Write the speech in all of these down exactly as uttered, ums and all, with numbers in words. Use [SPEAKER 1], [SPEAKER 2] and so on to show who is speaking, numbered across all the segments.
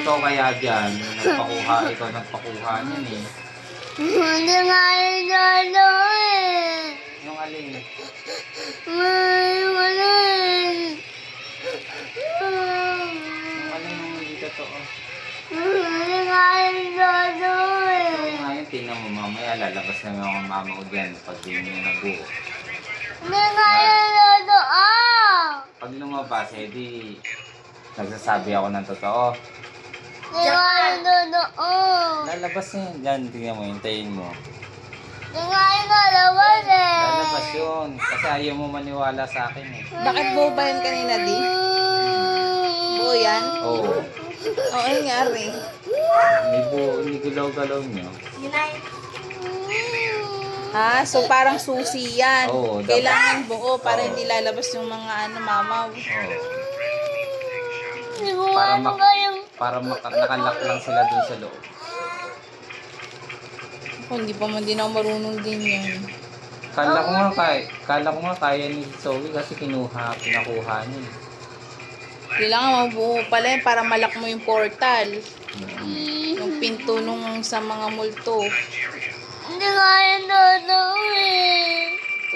[SPEAKER 1] totoo kaya dyan? Nagpakuha, ikaw nagpakuha niyan eh.
[SPEAKER 2] Hindi nga yung lolo eh.
[SPEAKER 1] Yung alin?
[SPEAKER 2] May alin.
[SPEAKER 1] Yung alin yung hindi totoo.
[SPEAKER 2] Hindi nga yung lolo eh.
[SPEAKER 1] So ngayon, tingnan mo mamaya, lalabas na yung mama ko dyan pag di niya nabuo.
[SPEAKER 2] Hindi nga yung lolo ah.
[SPEAKER 1] Pag lumabas, eh di, nagsasabi ako ng totoo.
[SPEAKER 2] Hindi nga yung lolo ah.
[SPEAKER 1] Lalabas na yun dyan, tingnan mo, hintayin mo.
[SPEAKER 2] Hindi nga yung lalabas eh.
[SPEAKER 1] Lalabas yun, kasi ayaw mo maniwala sa akin eh.
[SPEAKER 3] Bakit buo ba yun kanina, di? Buo yan?
[SPEAKER 1] Oo.
[SPEAKER 3] Oo, oh, nangyari.
[SPEAKER 1] Hindi buo, hindi gulaw-galaw niyo.
[SPEAKER 3] Ha? So parang susi yan.
[SPEAKER 1] Oo, dapat.
[SPEAKER 3] Kailangan buo para
[SPEAKER 1] Oo.
[SPEAKER 3] hindi lalabas yung mga ano, mamaw.
[SPEAKER 1] Oo.
[SPEAKER 2] Hindi ko
[SPEAKER 1] Para
[SPEAKER 2] ano
[SPEAKER 1] mak-
[SPEAKER 2] kayong...
[SPEAKER 1] Para maka- nakalak lang sila dun sa loob.
[SPEAKER 3] Kung hindi pa man din ako marunong din yan.
[SPEAKER 1] Kala ko nga kaya, kala ko nga kaya ni Zoe kasi kinuha, pinakuha niya. eh.
[SPEAKER 3] Kailangan mabuo pala yan para malak mo yung portal.
[SPEAKER 1] Mm.
[SPEAKER 3] Yung pinto nung sa mga multo.
[SPEAKER 2] Hindi nga yung lolo eh.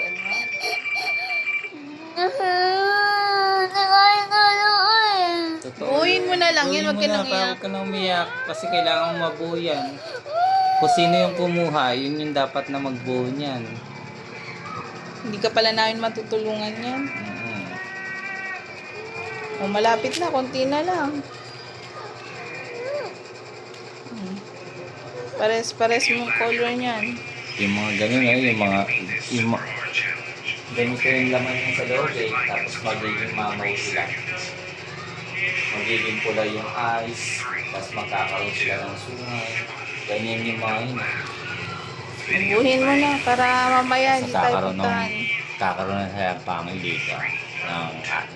[SPEAKER 2] Hindi nga yung lolo eh.
[SPEAKER 1] Totoo.
[SPEAKER 3] Buuin mo na lang yan,
[SPEAKER 1] Buuin
[SPEAKER 3] wag
[SPEAKER 1] mo
[SPEAKER 3] ka
[SPEAKER 1] na,
[SPEAKER 3] nang
[SPEAKER 1] para
[SPEAKER 3] iyak.
[SPEAKER 1] huwag ka nang umiyak kasi kailangan mo mabuo yan. Kung sino yung kumuha, yun yung dapat na magbuo niyan.
[SPEAKER 3] Hindi ka pala namin matutulungan yan.
[SPEAKER 1] Mm.
[SPEAKER 3] O malapit na, konti na lang. Hmm. Pares-pares mong color niyan.
[SPEAKER 1] Yung mga ganun eh, yung mga, yung mga, ganito yung laman yung sa loob eh, tapos magiging mamaw sila. Magiging pula yung eyes, tapos magkakaroon sila ng sungay. Ganyan yung mga yun.
[SPEAKER 3] Buhin mo na para mamaya
[SPEAKER 1] Tapos
[SPEAKER 3] hindi tayo
[SPEAKER 1] kakaroon ng,
[SPEAKER 3] puntahan.
[SPEAKER 1] kakaroon na siya pangilika ng ating.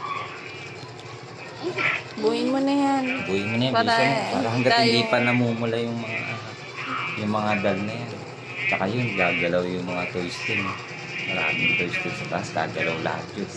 [SPEAKER 3] Buhin mo na yan.
[SPEAKER 1] Buhay mo na yan,
[SPEAKER 3] Para,
[SPEAKER 1] bisa mo. Para hanggat
[SPEAKER 3] tayo-
[SPEAKER 1] hindi pa namumula yung mga, yung mga dal na yan. Tsaka yun, gagalaw yung mga toys din. Maraming toys din sa taas, gagalaw lahat yun.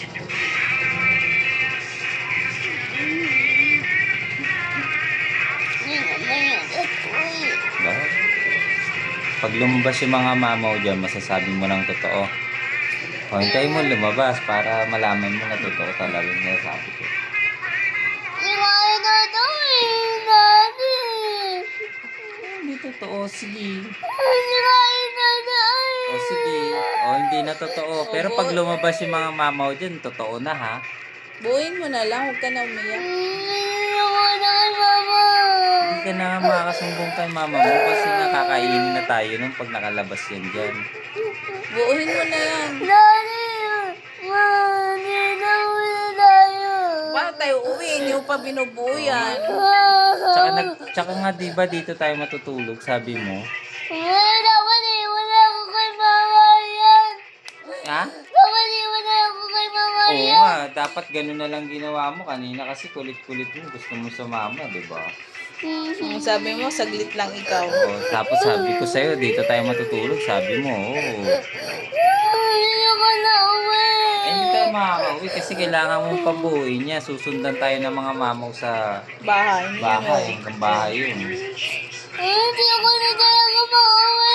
[SPEAKER 2] Hindi nga mayroon ko eh.
[SPEAKER 1] Bakit? Pag lumabas yung mga mamaw dyan, masasabi mo ng totoo. O, hintayin mo lumabas para malaman mo na totoo talaga yung nasabi ko.
[SPEAKER 2] Hindi nga yung lolo eh. Daddy.
[SPEAKER 1] Hindi totoo, sige.
[SPEAKER 2] Hindi nga yung lolo eh.
[SPEAKER 1] O sige, o hindi na totoo. Pero pag lumabas yung mga mamaw dyan, totoo na ha.
[SPEAKER 3] Buhin mo na lang, huwag ka na umiyak.
[SPEAKER 2] Hindi ako na kay mama.
[SPEAKER 1] Hindi ka na makakasumbong kay mama mo kasi nakakainin na tayo nung pag nakalabas yan dyan.
[SPEAKER 3] Buuhin mo na yan.
[SPEAKER 2] Daddy. Ma, hindi na muna tayo.
[SPEAKER 3] Paano tayo uwi? Hindi mo pa binubuo yan.
[SPEAKER 1] Tsaka, nag, tsaka nga diba dito tayo matutulog, sabi mo?
[SPEAKER 2] Wala, dapat iwan ako kay mama yan.
[SPEAKER 1] Ha?
[SPEAKER 2] Dapat iwan ako kay mama
[SPEAKER 1] Oo
[SPEAKER 2] yan.
[SPEAKER 1] nga, dapat ganun na lang ginawa mo kanina kasi kulit-kulit mo, gusto mo sumama, di ba?
[SPEAKER 3] Ang sabi mo, saglit lang ikaw.
[SPEAKER 1] O, tapos sabi ko sa'yo, dito tayo matutulog, sabi mo, oo.
[SPEAKER 2] Hindi ako na uwi.
[SPEAKER 1] Eh, hindi tayo makakauwi kasi kailangan mong pabuuin niya. Susundan tayo ng mga mamaw sa
[SPEAKER 3] Bahay. Hindi
[SPEAKER 1] bahay,
[SPEAKER 3] ano.
[SPEAKER 1] hanggang bahay yun.
[SPEAKER 2] Hindi ako na talaga mauwi.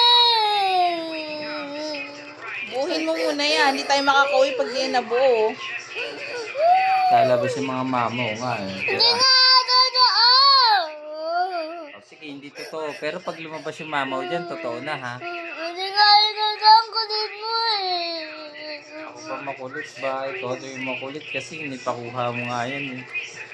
[SPEAKER 3] Buuhin mo muna yan. Hindi tayo makakauwi pag di yan nabuo.
[SPEAKER 1] Lalabas yung mga mamaw nga eh.
[SPEAKER 2] Hindi
[SPEAKER 1] Pero,
[SPEAKER 2] nga totoo.
[SPEAKER 1] oh, sige, hindi totoo. Pero pag lumabas yung mamaw dyan, totoo na ha.
[SPEAKER 2] Hindi nga yung totoo. Ang kulit mo eh.
[SPEAKER 1] Ako pa makulit ba? Ikaw ito yung makulit kasi nipakuha mo nga yan eh.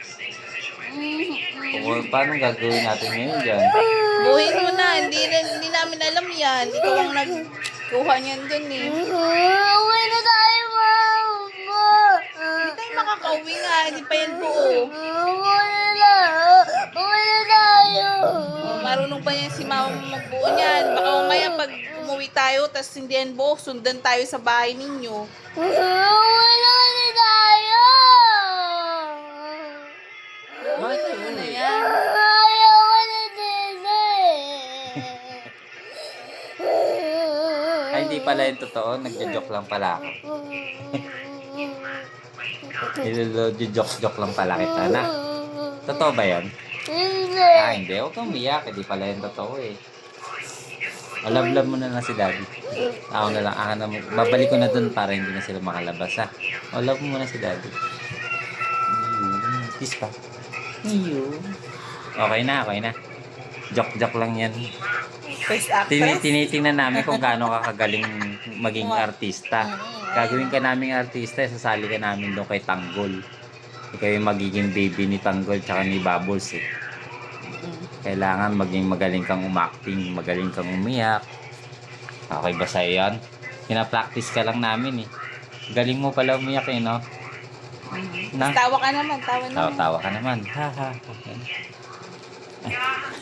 [SPEAKER 1] O, paano gagawin natin ngayon dyan?
[SPEAKER 3] Buuhin mo na. Hindi, rin- hindi namin alam yan. Ikaw ang nagkuha niyan dun eh.
[SPEAKER 2] Uwi na tayo, mama.
[SPEAKER 3] Hindi tayo makakauwi nga. Hindi pa yan buo.
[SPEAKER 2] Uwi na. Uwi na tayo.
[SPEAKER 3] Oh, marunong pa yan si mama mo magbuo niyan. Baka umaya pag umuwi tayo, tas hindi yan buo, sundan tayo sa bahay ninyo.
[SPEAKER 2] Uwi na kasi tayo.
[SPEAKER 1] Bakit
[SPEAKER 3] Ano
[SPEAKER 1] uwi?
[SPEAKER 3] yan?
[SPEAKER 2] Ayaw ko na dito
[SPEAKER 1] Ay, hindi pala yung totoo. Nagja-joke lang pala ako. Nilolo-joke-joke lang pala kita na. Totoo ba yan?
[SPEAKER 2] Hindi.
[SPEAKER 1] Ah, hindi. Huwag kang umiyak. Hindi pala yung totoo eh. Alab-lab mo na lang si daddy. Ako na lang. Ako na, babalik ko na dun para hindi na sila makalabas ha. Alab mo muna si daddy. Ayun. Kiss pa. Ayun. Okay na, okay na. Joke-joke lang yan.
[SPEAKER 3] First
[SPEAKER 1] Tini
[SPEAKER 3] actress.
[SPEAKER 1] tinitingnan namin kung gaano ka kagaling maging artista.
[SPEAKER 3] Mm.
[SPEAKER 1] Gagawin ka naming artista, sasali ka namin doon kay Tanggol. Ikaw yung magiging baby ni Tanggol tsaka ni Bubbles eh. Kailangan maging magaling kang umacting, magaling kang umiyak. Okay ba sa'yo yan? Pina-practice ka lang namin eh. Galing mo pala umiyak eh, no? Na?
[SPEAKER 3] Tawa ka naman, tawa naman.
[SPEAKER 1] Tawa-tawa ka naman. Ha ha. Okay.